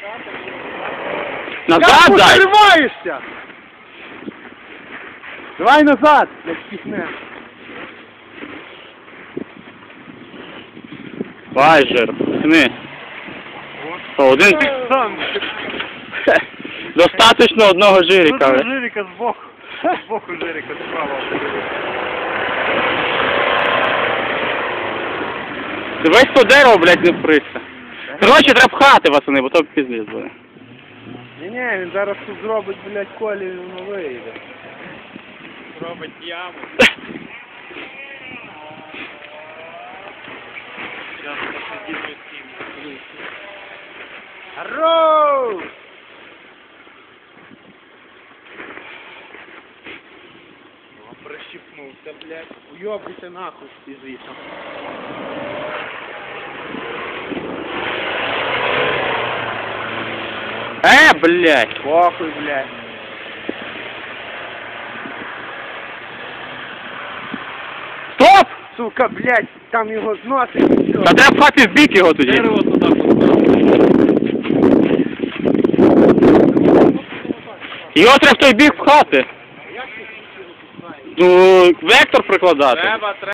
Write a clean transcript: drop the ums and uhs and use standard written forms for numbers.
Назад дай! Тримаєшся! Давай назад, як пісне. Байжер, пацани. Один. Сам. Достаточно одного жирика. Тут жирика збоку. Збоку жирика справа. Дивись, то дерево, блядь, не вприся. Коротше, треба пхати, пацани, бо то піздець буде. Ні, він зараз тут зробить, блядь, колі, і воно вийде. Робить яму. Зараз посидимо з ним. Арроу! Прищипнувся, блядь. Уйобуйся нахуй із лісом. Блядь. Похуй, блядь. Стоп! Сука, блядь, там його зносить і все. Та треба пхати в бік його тоді. Дерево туди поставив. Його треба в той бік пхати. Ну, вектор прикладати. Треба